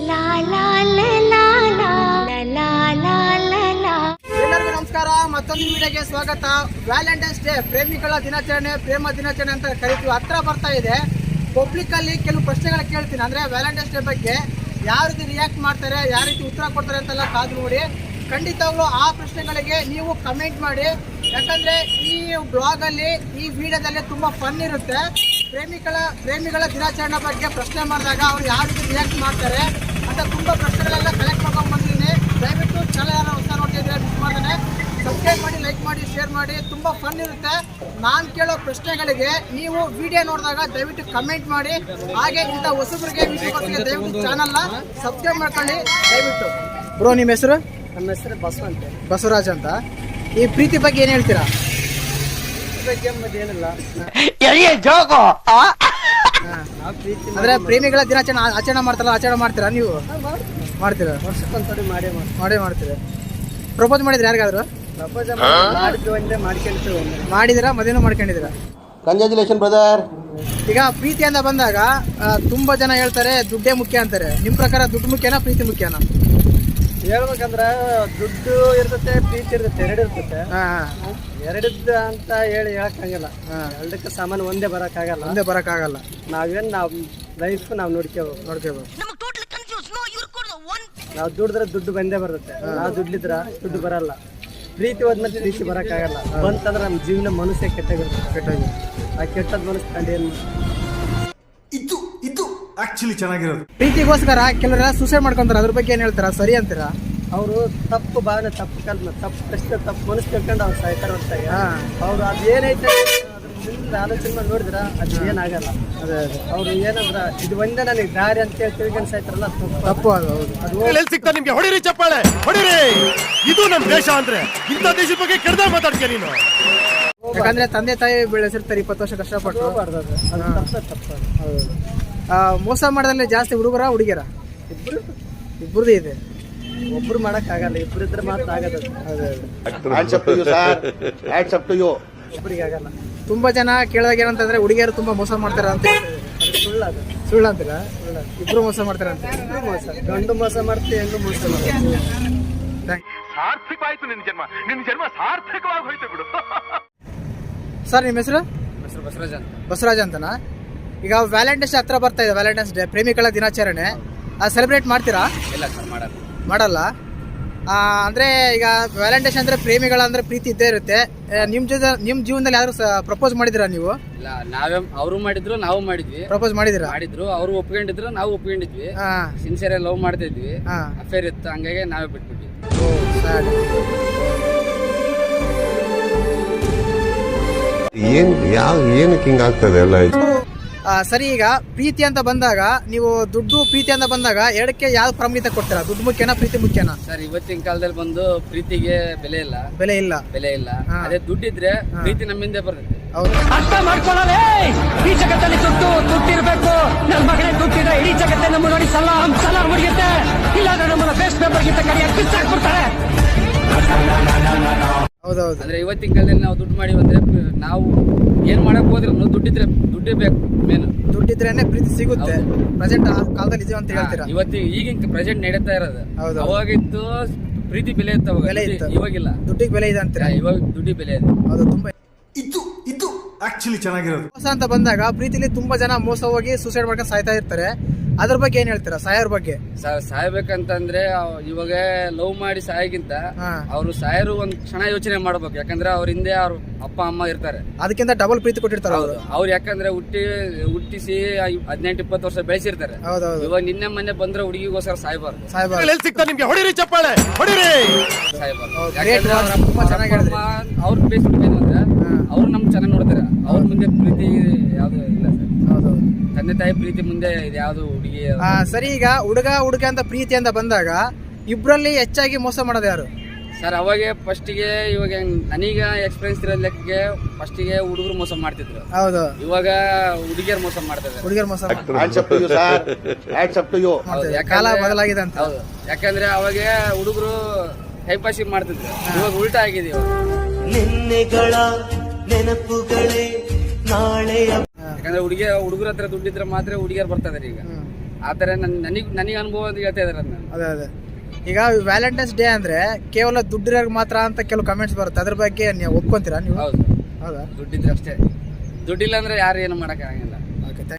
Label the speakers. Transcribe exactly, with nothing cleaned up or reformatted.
Speaker 1: ಎಲ್ಲರಿಗೂ ನಮಸ್ಕಾರ, ಮತ್ತೊಂದು ವಿಡಿಯೋಗೆ ಸ್ವಾಗತ. ವ್ಯಾಲೆಂಟೈನ್ಸ್ ಡೇ, ಪ್ರೇಮಿಗಳ ದಿನಾಚರಣೆ, ಪ್ರೇಮ ದಿನಾಚರಣೆ ಅಂತ ಕರಿತೀವಿ. ಹತ್ರ ಬರ್ತಾ ಇದೆ. ಪಬ್ಲಿಕ್ ಅಲ್ಲಿ ಕೆಲವು ಪ್ರಶ್ನೆಗಳು ಕೇಳ್ತೀನಿ, ಅಂದ್ರೆ ವ್ಯಾಲೆಂಟೈನ್ಸ್ ಡೇ ಬಗ್ಗೆ ಯಾವ ರೀತಿ ರಿಯಾಕ್ಟ್ ಮಾಡ್ತಾರೆ, ಯಾವ ರೀತಿ ಉತ್ತರ ಕೊಡ್ತಾರೆ ಅಂತೆಲ್ಲ ಕಾದು ನೋಡಿ. ಖಂಡಿತವಾಗ್ಲೂ ಆ ಪ್ರಶ್ನೆಗಳಿಗೆ ನೀವು ಕಮೆಂಟ್ ಮಾಡಿ, ಯಾಕಂದ್ರೆ ಈ ಬ್ಲಾಗ್ ಅಲ್ಲಿ, ಈ ವಿಡಿಯೋದಲ್ಲಿ ತುಂಬಾ ಫನ್ ಇರುತ್ತೆ. ಪ್ರೇಮಿಗಳ ಪ್ರೇಮಿಗಳ ದಿನಾಚರಣೆ ಬಗ್ಗೆ ಪ್ರಶ್ನೆ ಮಾಡಿದಾಗ ಅವ್ರು ಯಾವ ರೀತಿ ರಿಯಾಕ್ಟ್ ಮಾಡ್ತಾರೆ ಅಂತ ತುಂಬಾ ಪ್ರಶ್ನೆಗಳೆಲ್ಲ ಕಲೆಕ್ಟ್ ಮಾಡ್ಕೊಂಡು ಬಂದಿದ್ದೀನಿ. ದಯವಿಟ್ಟು ಚಾನಲ್ ಯಾರು ಹೊಸ ನೋಡ್ತಿದ್ರೆ ಮಿಸ್ ಮಾಡ್ತಾನೆ ಸಬ್ಸ್ಕ್ರೈಬ್ ಮಾಡಿ, ಲೈಕ್ ಮಾಡಿ, ಶೇರ್ ಮಾಡಿ. ತುಂಬಾ ಫನ್ ಇರುತ್ತೆ. ನಾನು ಕೇಳೋ ಪ್ರಶ್ನೆಗಳಿಗೆ ನೀವು ವಿಡಿಯೋ ನೋಡಿದಾಗ ದಯವಿಟ್ಟು ಕಮೆಂಟ್ ಮಾಡಿ. ಹಾಗೆ ಇಂಥ ಹೊಸಬರಿಗೆ ವಿಡಿಯೋಗಳಿಗೆ ದಯವಿಟ್ಟು ಚಾನಲ್ನ ಸಬ್ಸ್ಕ್ರೈಬ್ ಮಾಡ್ಕೊಳ್ಳಿ ದಯವಿಟ್ಟು. ಬ್ರೋ, ನಿಮ್ಮ ಹೆಸರು?
Speaker 2: ನಮ್ಮ ಹೆಸರು ಬಸವ ಅಂತ,
Speaker 1: ಬಸವರಾಜ್ ಅಂತ. ಈ ಪ್ರೀತಿ ಬಗ್ಗೆ ಏನು ಹೇಳ್ತೀರಾ?
Speaker 2: ಏನಿಲ್ಲ,
Speaker 1: ಅಂದ್ರೆ ಪ್ರೇಮಿಗಳ ದಿನಾಚರಣೆ ಆಚರಣೆ ಮಾಡ್ತಾರಲ್ಲ, ಆಚರಣೆ ಮಾಡ್ತೀರಾ ನೀವು? ಮಾಡ್ತೀರಾ?
Speaker 2: ವರ್ಷಕ್ಕೊಂದ್ಸರಿ ಮಾಡೇ
Speaker 1: ಮಾಡೇ ಮಾಡ್ತೀರಾ? ಪ್ರಪೋಸ್ ಮಾಡಿದ್ರೆ ಯಾರಿಗಾದ್ರು?
Speaker 2: ಪ್ರಪೋಸ್ ಮಾಡಿದ್ವಿ, ಒಂದೇ ಮಾಡ್ಕೊಂಡ್ತೀವಿ.
Speaker 1: ಮಾಡಿದಿರಾ? ಮದುವೆನೂ ಮಾಡ್ಕೊಂಡಿದ್ದೀರಾ?
Speaker 3: Congratulation brother.
Speaker 1: ಈಗ ಪ್ರೀತಿ ಅಂತ ಬಂದಾಗ ತುಂಬಾ ಜನ ಹೇಳ್ತಾರೆ ದುಡ್ಡೇ ಮುಖ್ಯ ಅಂತಾರೆ. ನಿಮ್ ಪ್ರಕಾರ ದುಡ್ಡು ಮುಖ್ಯನಾ, ಪ್ರೀತಿ ಮುಖ್ಯನಾ?
Speaker 2: ಹೇಳ್ಬೇಕಂದ್ರ ದುಡ್ಡು ಇರ್ತತೆ, ಪ್ರೀತಿ ಇರ್ತತೆ, ಎರಡು ಇರ್ತತೆ. ಎರಡದ್ದ ಅಂತ ಹೇಳಿ ಹೇಳಕ್ಕಾಗಲ್ಲ. ಎರಡಕ್ಕೆ ಸಾಮಾನು ಒಂದೇ ಬರಕ್ಕಾಗಲ್ಲ,
Speaker 1: ಒಂದೇ ಬರಕ್ಕಾಗಲ್ಲ.
Speaker 2: ನಾವೇನ್ ನಾವ್ ಲೈಫ್ ನಾವ್ ನೋಡ್ಕೋಬೇಕು
Speaker 1: ನೋಡ್ಕೋಬೇಕು
Speaker 2: ನಾವ್ ದುಡಿದ್ರೆ ದುಡ್ಡು ಬಂದೇ ಬರುತ್ತೆ. ನಾವ್ ದುಡ್ಲಿದ್ರ ದುಡ್ಡು ಬರಲ್ಲ. ಪ್ರೀತಿ ಹೋದ್ಮೇಲೆ ಪ್ರೀತಿ ಬರಕ್ಕಾಗಲ್ಲ. ಬಂತಂದ್ರೆ ನಮ್ ಜೀವನ ಮನುಷ್ಯ ಕೆಟ್ಟಾಗಿರುತ್ತೆ.
Speaker 1: ಕೆಟ್ಟಾಗಿ
Speaker 2: ಆ ಕೆಟ್ಟದ್ ಮನಸ್ಸು ಕಂಡು ಏನ್
Speaker 3: ಇದು ಇದು ಆಕ್ಚುಲಿ ಚೆನ್ನಾಗಿರೋದು.
Speaker 1: ಪ್ರೀತಿಗೋಸ್ಕರ ಕೆಲವರೆಲ್ಲ ಸೂಸೈಡ್ ಮಾಡ್ಕೊಂತಾರೆ. ಅದ್ರ ಬಗ್ಗೆ ಏನ್ ಹೇಳ್ತಾರ? ಸರಿ ಅಂತೀರಾ?
Speaker 2: ಅವರು ತಪ್ಪು ಭಾವನೆ, ತಪ್ಪು ಕಲ್ಪನೆ, ತಪ್ಪು ಕಷ್ಟ, ತಪ್ಪು ಮನಸ್ಸು ತಿಳ್ಕೊಂಡು ಅವ್ರು ಸಾಯ್ತಾರ ಹೊರತಾಗಿ ಅವ್ರು ಅದೇನೈತೆ ಅದ್ರ ಆಲೋಚನೆ ಮಾಡಿ ನೋಡಿದ್ರ ಅದು ಏನಾಗಲ್ಲ.
Speaker 1: ಅದೇ ಅದೇ
Speaker 2: ಅವ್ರು ಏನಂದ್ರ ಇದು ಒಂದೇ ನನಗೆ ದಾರಿ ಅಂತ ಹೇಳಿ ತಿಳ್ಕೊಂಡು ಸಾಯ್ತಾರಲ್ಲ, ತಪ್ಪು
Speaker 1: ತಪ್ಪು. ಅದು ಹೌದು.
Speaker 4: ಎಲ್ಲಿ ಸಿಗ್ತಾ ನಿಮ್ಗೆ? ಹೊಡಿರಿ ಚಪ್ಪಾಳೆ, ಹೊಡಿರಿ. ಇದು ನಮ್ ದೇಶ ಅಂದ್ರೆ ಇಂಥ ದೇಶದ ಬಗ್ಗೆ ಕೆಡ್ದಾಗ ಮಾತಾಡ್ತೀಯ ನೀನು.
Speaker 1: ಯಾಕಂದ್ರೆ ತಂದೆ ತಾಯಿ ಬೆಳೆಸಿರ್ತಾರೆ, ಇಪ್ಪತ್ತು ವರ್ಷ ಕಷ್ಟಪಟ್ಟು.
Speaker 2: ಹೋಗ್ಬಾರ್ದು ಅದು. ಅದು ತಪ್ಪೇ ತಪ್ಪು.
Speaker 1: ಹೌದು. ಮೋಸ ಮಾಡೋದ್ರಲ್ಲಿ ಜಾಸ್ತಿ ಹುಡುಗರ ಹುಡುಗಿಯರ?
Speaker 2: ಇಬ್ರು
Speaker 1: ಇಬ್ಬರದೇ ಇದೆ.
Speaker 2: ಒಬ್ರು ಮಾಡಕ್ ಆಗಲ್ಲ, ಇಬ್ರು ಇದ್ರೆ ಮಾತ್ರ ಆಗದ. ಒಬ್ರಿಗೆ ಆಗಲ್ಲ.
Speaker 1: ತುಂಬಾ ಜನ ಕೇಳಿದಾಗ ಏನಂತಂದ್ರೆ ಹುಡುಗಿಯರು ತುಂಬಾ ಮೋಸ ಮಾಡ್ತಾರ ಅಂತ ಹೇಳ್ತಾರೆ.
Speaker 2: ಅದು ಸುಳ್ಳು. ಅದು
Speaker 1: ಸುಳ್ಳು ಅಂತೀರಾ? ಇಬ್ರು ಮೋಸ ಮಾಡ್ತಾರ ಅಂತ.
Speaker 2: ಇಬ್ರು ಮೋಸ, ಗಂಡು ಮೋಸ ಮಾಡ್ತೀವಿ, ಹೆಣ್ಣು ಮೋಸ ಮಾಡ್ತೀವಿ.
Speaker 4: ಸಾರ್ಥಕವಾಯ್ತು ನಿನ್ ಜನ್ಮ, ನಿನ್ ಜನ್ಮ ಸಾರ್ಥಕವಾಗಿ ಹೋಯ್ತು ಬಿಡು.
Speaker 1: ಸರ್, ನಿಮ್ಮ ಹೆಸರು?
Speaker 2: ಬಸವರಾಜ್ ಅಂತ.
Speaker 1: ಬಸವರಾಜ್ ಅಂತನಾ? ಈಗ ವ್ಯಾಲೆಂಟೈನ್ಸ್ ಹತ್ರ ಬರ್ತಾ ಇದೆ, ವ್ಯಾಲೆಂಟೈನ್ಸ್ ಡೇ, ಪ್ರೇಮಿಗಳ ದಿನಾಚರಣೆ. ಅದು ಸೆಲೆಬ್ರೇಟ್ ಮಾಡ್ತೀರಾ?
Speaker 2: ಇಲ್ಲ ಸರ್, ಮಾಡಲ್ಲ.
Speaker 1: ಮಾಡಲ್ಲ. ಅಂದ್ರೆ ಈಗ ವ್ಯಾಲೆಂಟೈನ್ಸ್ ಅಂದ್ರೆ ಪ್ರೇಮಿಗಳ ಅಂದ್ರೆ ಪ್ರೀತಿ ಇದ್ದೇ ಇರುತ್ತೆ. ನಿಮ್ ಜೊತೆ ನಿಮ್ ಜೀವನದಲ್ಲಿ ಯಾರು ಪ್ರಪೋಸ್ ಮಾಡಿದಿರಾ ನೀವು?
Speaker 5: ಇಲ್ಲ, ನಾವೇ ಅವರು ಮಾಡಿದ್ರು, ನಾವು ಮಾಡಿದ್ವಿ.
Speaker 1: ಪ್ರಪೋಸ್ ಮಾಡಿದಿರಾ?
Speaker 5: ಮಾಡಿದ್ರು, ಅವರು ಒಪ್ಕೊಂಡಿದ್ರು, ನಾವು ಒಪ್ಕೊಂಡಿದ್ವಿ. ಸಿನ್ಸಿಯರ್ ಲವ್ ಮಾಡ್ತಾ ಇದ್ವಿ, ಅಫೇರ್ ಇತ್ತು, ಹಂಗಾಗಿ ನಾವೇ ಬಿಟ್ಬಿಟ್ವಿ.
Speaker 6: ಏನ್ ಯಾವ ಏನಕ್ಕೆ ಹಿಂಗ ಆಗ್ತದೆ ಎಲ್ಲ ಇದು?
Speaker 1: ಸರಿ, ಈಗ ಪ್ರೀತಿ ಅಂತ ಬಂದಾಗ ನೀವು ದುಡ್ಡು ಪ್ರೀತಿ ಅಂತ ಬಂದಾಗ ಎರಡಕ್ಕೆ ಯಾವ ಪ್ರಾಮುಖ್ಯತೆ ಕೊಡ್ತೀರಾ? ದುಡ್ಡು ಮುಖ್ಯನಾ, ಪ್ರೀತಿ ಮುಖ್ಯನಾ?
Speaker 5: ಸರ್, ಇವತ್ತಿನ ಕಾಲದಲ್ಲಿ ಬಂದು ಪ್ರೀತಿಗೆ ಬೆಲೆ ಇಲ್ಲ,
Speaker 1: ಬೆಲೆ ಇಲ್ಲ,
Speaker 5: ಬೆಲೆ ಇಲ್ಲ. ಅದೇ ದುಡ್ಡಿದ್ರೆ ಪ್ರೀತಿ ನಮ್ಮಿಂದ ಬರುತ್ತೆ.
Speaker 1: ಹೌದು.
Speaker 7: ಅರ್ಥ ಮಾಡ್ಕೊಳ್ಳೋದೇ ಈ ಜಗತ್ತಲ್ಲಿ ದುಡ್ಡು ದುಡ್ಡಿರ್ಬೇಕು. ನನ್ನ ಮಗನೇ ದುಡ್ಡಿದ್ರೆ ಇಡೀ ಜಗತ್ತೇ ನಮ್ಮ ನೋಡಿ ಸಲಾಂ ಸಲಾಂ ಹೊಡಿಯುತ್ತೆ. ಇಲ್ಲಾಂದ್ರೆ ನಮ್ಮನ್ನ ಬೇಸ್ ಪೇಪರ್ ಗಿಂತ ಕರಿಯಾಗಿ ಬಿಚ್ಚಾಕ್ಬಿಡ್ತಾರೆ.
Speaker 1: ಹೌದೌದು.
Speaker 5: ಅಂದ್ರೆ ಇವತ್ತಿನ ಕಾಲದಲ್ಲಿ ನಾವು ದುಡ್ಡು ಮಾಡಿ ಅಂದ್ರೆ ನಾವು ಏನ್ ಮಾಡಕ್ ಹೋದ್ರೆ ದುಡ್ಡಿದ್ರೆ ದುಡ್ಡೇ ಬೇಕು. ಮೇನ್
Speaker 1: ದುಡ್ಡಿದ್ರೇನೆ ಪ್ರೀತಿ ಸಿಗುತ್ತೆ. ಪ್ರೆಸೆಂಟ್ ಕಾಲದಲ್ಲಿ ಇದೆ ಅಂತ ಹೇಳ್ತೀರಾ?
Speaker 5: ಇವತ್ತಿಗೆ ಈಗಿನ ಪ್ರೆಸೆಂಟ್ ನಡೀತಾ ಇರೋದು.
Speaker 1: ಹೌದು.
Speaker 5: ಅವಾಗಿತ್ತು ಪ್ರೀತಿ ಬೆಲೆ ಇತ್ತು, ಅವಾಗ
Speaker 1: ಬೆಲೆ ಇತ್ತು.
Speaker 5: ಇವಾಗಿಲ್ಲ.
Speaker 1: ದುಡ್ಡಿಗೆ ಬೆಲೆ ಇದೆ ಅಂತೀರಾ?
Speaker 5: ಇವಾಗ ದುಡ್ಡಿ ಬೆಲೆ ಇದೆ.
Speaker 1: ಹೌದು. ತುಂಬಾ
Speaker 3: ಇದು ಇದು ಆಕ್ಚುಲಿ ಚೆನ್ನಾಗಿರೋದು.
Speaker 1: ಮೋಸ ಅಂತ ಬಂದಾಗ ಪ್ರೀತಿಲಿ ತುಂಬಾ ಜನ ಮೋಸ ಹೋಗಿ ಸೂಸೈಡ್ ಮಾಡ್ಕೊಂಡು ಸಾಯ್ತಾ ಇರ್ತಾರೆ. ಅದ್ರ ಬಗ್ಗೆ ಏನ್ ಹೇಳ್ತೀರಾ? ಸಾಯೋರ್ ಬಗ್ಗೆ?
Speaker 5: ಸಾಯ್ಬೇಕಂತಂದ್ರೆ ಇವಾಗ ಲವ್ ಮಾಡಿ ಸಾಯಗಿಂತ ಅವ್ರು ಸಾಯರು ಒಂದ್ ಕ್ಷಣ ಯೋಚನೆ ಮಾಡ್ಬೇಕು. ಯಾಕಂದ್ರೆ ಅವ್ರ ಹಿಂದೆ ಅವ್ರ ಅಪ್ಪ ಅಮ್ಮ ಇರ್ತಾರೆ,
Speaker 1: ಅದಕ್ಕಿಂತ ಡಬಲ್ ಪ್ರೀತಿ ಕೊಟ್ಟಿರ್ತಾರೆ ಅವರು.
Speaker 5: ಅವ್ರು ಯಾಕಂದ್ರೆ ಹುಟ್ಟಿ ಹುಟ್ಟಿಸಿ ಹದಿನೆಂಟು ಇಪ್ಪತ್ತು ವರ್ಷ ಬೆಳೆಸಿರ್ತಾರೆ. ಇವಾಗ ನಿನ್ನೆ ಮೊನ್ನೆ ಬಂದ್ರೆ ಹುಡುಗಿಗೋಸ್ಕರ ಸಾಯ್ಬಾರ್ದು.
Speaker 1: ಸಾಯ್ಬಾರ್ದು.
Speaker 4: ಎಲ್ಲಿ ಸಿಗ್ತಾ ನಿಮ್ಗೆ? ಹೊಡಿರಿ ಚಪ್ಪಾಳೆ, ಹೊಡಿರಿ.
Speaker 5: ಸಾಯ್ಬಾರ್ದು. ಅವ್ರ ಬೇಸ್ ಹುಡುಕಿದ್ರು ಅಂದ್ರೆ ಅವ್ರು ನಮ್ಗೆ ಚೆನ್ನಾಗಿ ನೋಡ್ತಾರೆ. ಅವ್ರ ಮುಂದೆ ಪ್ರೀತಿ ಯಾವ್ದು ಇಲ್ಲ ಸರ್. ತಂದೆ ತಾಯಿ ಪ್ರೀತಿ ಮುಂದೆ ಇದು ಯಾವ್ದು ಹುಡುಗಿ.
Speaker 1: ಸರಿ, ಈಗ ಹುಡುಗ ಹುಡುಗ ಅಂತ ಪ್ರೀತಿ ಅಂತ ಬಂದಾಗ ಇಬ್ರಲ್ಲಿ ಹೆಚ್ಚಾಗಿ ಮೋಸ ಮಾಡೋದು ಯಾರು
Speaker 5: ಸರ್? ಅವಾಗ ಫಸ್ಟಿಗೆ, ಇವಾಗ ನನಗ ಎಕ್ಸ್ಪೀರಿಯನ್ಸ್ ಇರೋ ಲೆಕ್ಕಕ್ಕೆ ಫಸ್ಟಿಗೆ ಹುಡುಗರು ಮೋಸ ಮಾಡ್ತಿದ್ರು.
Speaker 1: ಹೌದು.
Speaker 5: ಇವಾಗ ಹುಡುಗಿಯರ್ ಮೋಸ ಮಾಡ್ತಿದ್ದಾರೆ.
Speaker 1: ಹುಡುಗಿಯರ್ ಮೋಸ ಕಾಲ ಬದಲಾಗಿದೆ ಅಂತ.
Speaker 5: ಹೌದು. ಯಾಕಂದ್ರೆ ಅವಾಗ ಹುಡುಗರು ಟೈಮ್ ಪಾಸಿಂಗ್ ಮಾಡ್ತಿದ್ರು, ಇವಾಗ ಉಲ್ಟಾ ಆಗಿದೆ.
Speaker 8: ನಿನ್ನೆಗಳ ನೆನಪುಗಳೇ ನಾಳೆಯ.
Speaker 5: ಯಾಕಂದ್ರೆ ಹುಡುಗಿ ಹುಡುಗರ ಹತ್ರ ದುಡ್ಡಿದ್ರೆ ಮಾತ್ರ ಹುಡುಗಿಯರ್ ಬರ್ತಾ ಇದಾರೆ ಈಗ. ಆ ಥರ ನನ್ ನನಗೆ ನನಗೆ ಅನುಭವ ಅಂತ ಹೇಳ್ತಾ ಇದಾರೆ ಅದನ್ನ.
Speaker 1: ಅದೇ ಅದೇ ಈಗ ವ್ಯಾಲೆಂಟೈನ್ಸ್ ಡೇ ಅಂದ್ರೆ ಕೇವಲ ದುಡ್ಡಿರೋರ್ಗೆ ಮಾತ್ರ ಅಂತ ಕೆಲವು ಕಮೆಂಟ್ಸ್ ಬರುತ್ತೆ, ಅದ್ರ ಬಗ್ಗೆ ನೀವು ಒಪ್ಕೊಂತೀರಾ ನೀವು?
Speaker 5: ಹೌದು
Speaker 1: ಹೌದಾ?
Speaker 5: ದುಡ್ಡಿದ್ರೆ ಅಷ್ಟೇ, ದುಡ್ಡಿಲ್ಲ ಅಂದ್ರೆ ಯಾರು ಏನು ಮಾಡೋಕ್ಕಾಗಲ್ಲ.